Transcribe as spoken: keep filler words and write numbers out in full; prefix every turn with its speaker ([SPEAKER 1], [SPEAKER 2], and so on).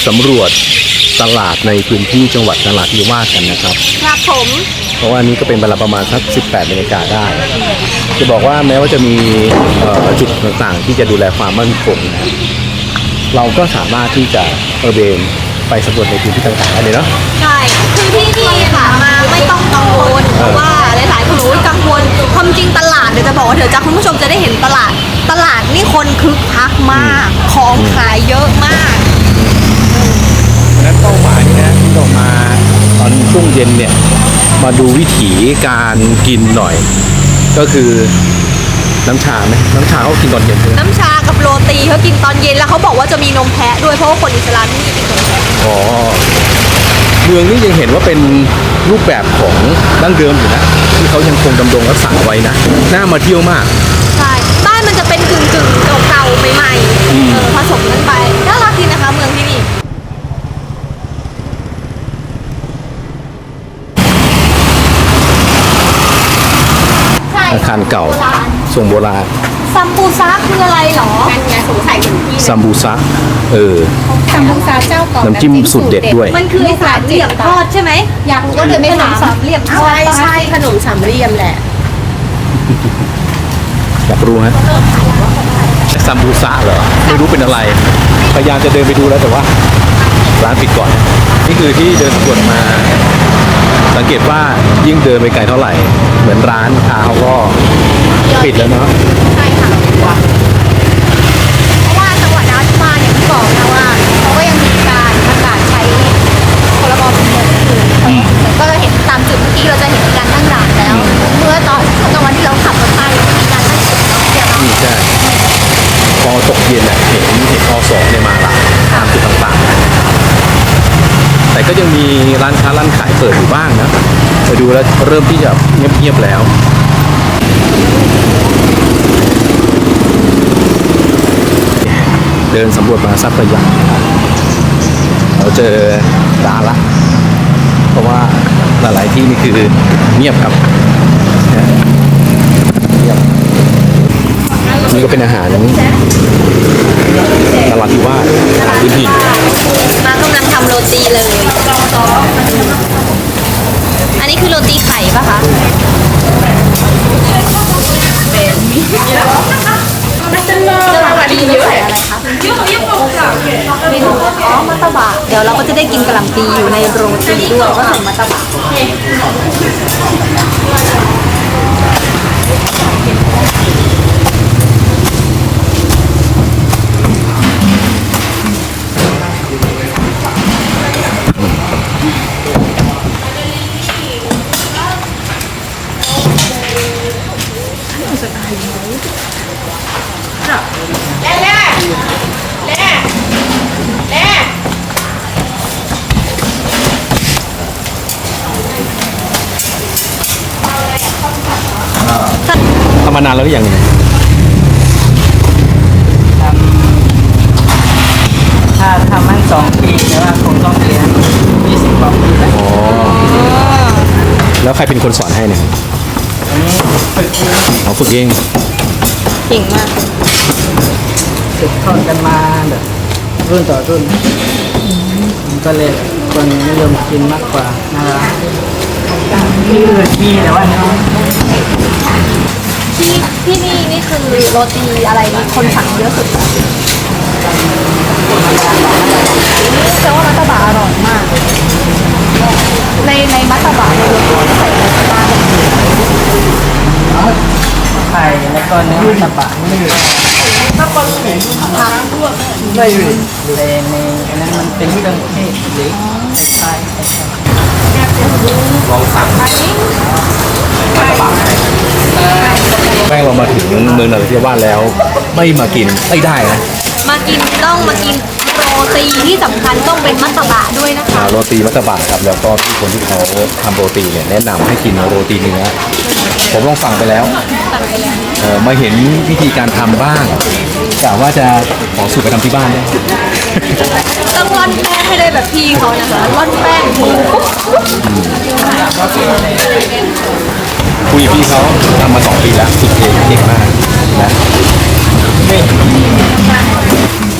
[SPEAKER 1] สำรวจตลาดในพื้นที่จังหวัดนราธิวาสกันนะครับ
[SPEAKER 2] ครับผม
[SPEAKER 1] เพราะว่านี้ก็เป็นเวลาประมาณสักสิบแปดนาฬิกาได้จะบอกว่าแม้ว่าจะมีจุดต่างๆที่จะดูแลความมั่นคงนะเราก็สามารถที่จะตระเวนไปสำรวจในพื้นที่ต่างๆได้เลยเนาะ
[SPEAKER 2] ใช่คือที่นี่ค่ะมาไม่ต้องกังวลเพราะว่าหลายๆคนรู้กังวลความจริงตลาดเดี๋ยวจะบอกว่าเดี๋ยวจะคุณผู้ชมจะได้เห็นตลาดตลาดนี่คนคึกคักมากของขายเยอะมาก
[SPEAKER 1] นั้นเป้าหมายนะที่เรามาตอนช่วงเย็นเนี่ยมาดูวิถีการกินหน่อยก็คือน้ำชาไหมน้ำชาเขากินตอนเย็นใช่ไหม
[SPEAKER 2] น้ำชากับโรตีเขากินตอนเย็นแล้วเขาบอกว่าจะมีนมแพะด้วยเพราะว่าคนอิสลามที่นี่กินนมแพะ
[SPEAKER 1] อ๋อเมืองนี้ยังเห็นว่าเป็นรูปแบบของดั้งเดิมอยู่นะที่เขายังคงดำรงรักษาไว้นะน่ามาเที่ยวมาก
[SPEAKER 2] ใช่บ้านมันจะเป็นกึ่งกึ่งเก่าๆใหม่ๆผสมกันไปน่ารักดีนะคะเมืองที่นี่
[SPEAKER 1] อาคารเก่าทรงโบราณ
[SPEAKER 2] ซัมบูซาคืออะไรหรอนั่นไงสงสัยถึงที่
[SPEAKER 1] ซัมบูซาเออ
[SPEAKER 2] ซัมบูซาเจ้าก่อน
[SPEAKER 1] น้ำจิ้มสุดเด็ดด้วย
[SPEAKER 2] มันคือสามเหลี่ยมทอดใช่ไหมอยากรู้ก็เลยไม่ถามสามเหลี่ยมทอด
[SPEAKER 3] ใช่ขนมสามเหลี่ยมแหละ
[SPEAKER 1] อยากรู้ฮะซัมบูซาเหรอไม่รู้เป็นอะไรพยายามจะเดินไปดูแล้วแต่ว่าร้านปิดก่อนนี่คือที่เดินสำรวจมาสังเกตว่ายิ่งเดินไปไกลเท่าไหร่เหมือนร้านค้าเขาก็ปิดแล้วเนาะ
[SPEAKER 2] ใช่ค่ะเพราะว่าจังหวัดนราธิวาสอย่างที่บอกนะว่าเขาก็ยังมีการประกาศใช้พรบฉุกเฉินอยู่ก็เห็นตามจุดเมื่อกี้เราจะเห็นการตั้งด่านแล้วเมื่อตอนช่วงกลางวันที่เราขับรถไปมีการตั้งจุดเนาะเดี๋ยวเรา
[SPEAKER 1] ใช่พอตกเย็นเนี่ยเห็นเห็นอสองเนี่ยมาละตามจุดต่างๆแต่ก็ยังมีร้านค้าร้านขายเปิดอยู่บ้างนะไปดูแล้วเริ่มที่จะเงียบๆแล้วเดินสำรวจมาสักระยะเราเจอร้านละเพราะว่าหลายๆที่นี่คือเงียบครับเงียบนี่ก็เป็นอาหารนราธิวาสอาหารพื้นถิ่น
[SPEAKER 2] มากำลังทำโรตีเลยอันนี้คือโรตีไข่ป่ะคะมัตตบะดีเยอะอะไรคะเมนูอ๋อมัตตบะเดี๋ยวเราก็จะได้กินกะหล่ำปีอยู่ในโรตีด้วยก็เป็นมัตตบะ
[SPEAKER 1] ทำมานานแล้วหรือยัง
[SPEAKER 3] ถ้าทำมันสองปีแต่ว่าคงต้องเรียนยี่สิบกว่าปีแล้ว
[SPEAKER 1] อ๋อแล้วใครเป็นคนสอนให้เนี่ย
[SPEAKER 3] อันนี้ฝึกเอง
[SPEAKER 1] เขาฝึกเอง
[SPEAKER 2] เก่งมาก
[SPEAKER 3] ฝึกทอดกันมาแบบรุ่นต่อรุ่นก็เลยคนนิยมกินมากกว่านะครับที่อื่นมีแต่ว่าน้อย
[SPEAKER 2] ที่ที่นี่นี่คือโรตีอะไรคนสั่งเยอะสุดแต่ว่ามัตตบะอร่อยมากในในมัตตบะในโรตีใส่อะไรบ้าง
[SPEAKER 3] ไข่แล้วก็เนื้อมัตตบะนี่ถ้าคนเห็นผักไม่อยู่แต่ในอันนั้นมันเป็นเครื่องเทศหรือใช่
[SPEAKER 1] ลองสั่งมัตตบะแม่เรามาถึงเมืองนราธิวาสแล้วไม่มากินไม่ได้นะ
[SPEAKER 2] มากินต้องมากินโรตีที่สำคัญต้องเป็นมัตตบะด้วยนะคะ
[SPEAKER 1] โรตีมัตตบะครับแล้วก็ที่คนที่เขาทำโรตีเนี่ยแนะนำให้กินโรตีเนื้อผมลองสั่งไปแล้วเออมาเห็นวิธีการทำบ้างกะว่าจะขอสูตรไปทำที่บ้านเนี่ย
[SPEAKER 2] ต้องร่อนแป้งให้ได้แบบพี่เขานะคะร่อนแป้งมือปุ๊บ
[SPEAKER 1] คุยพี่เขาทำมาสองปีแล้วสุดเก่งเก่งมากนะ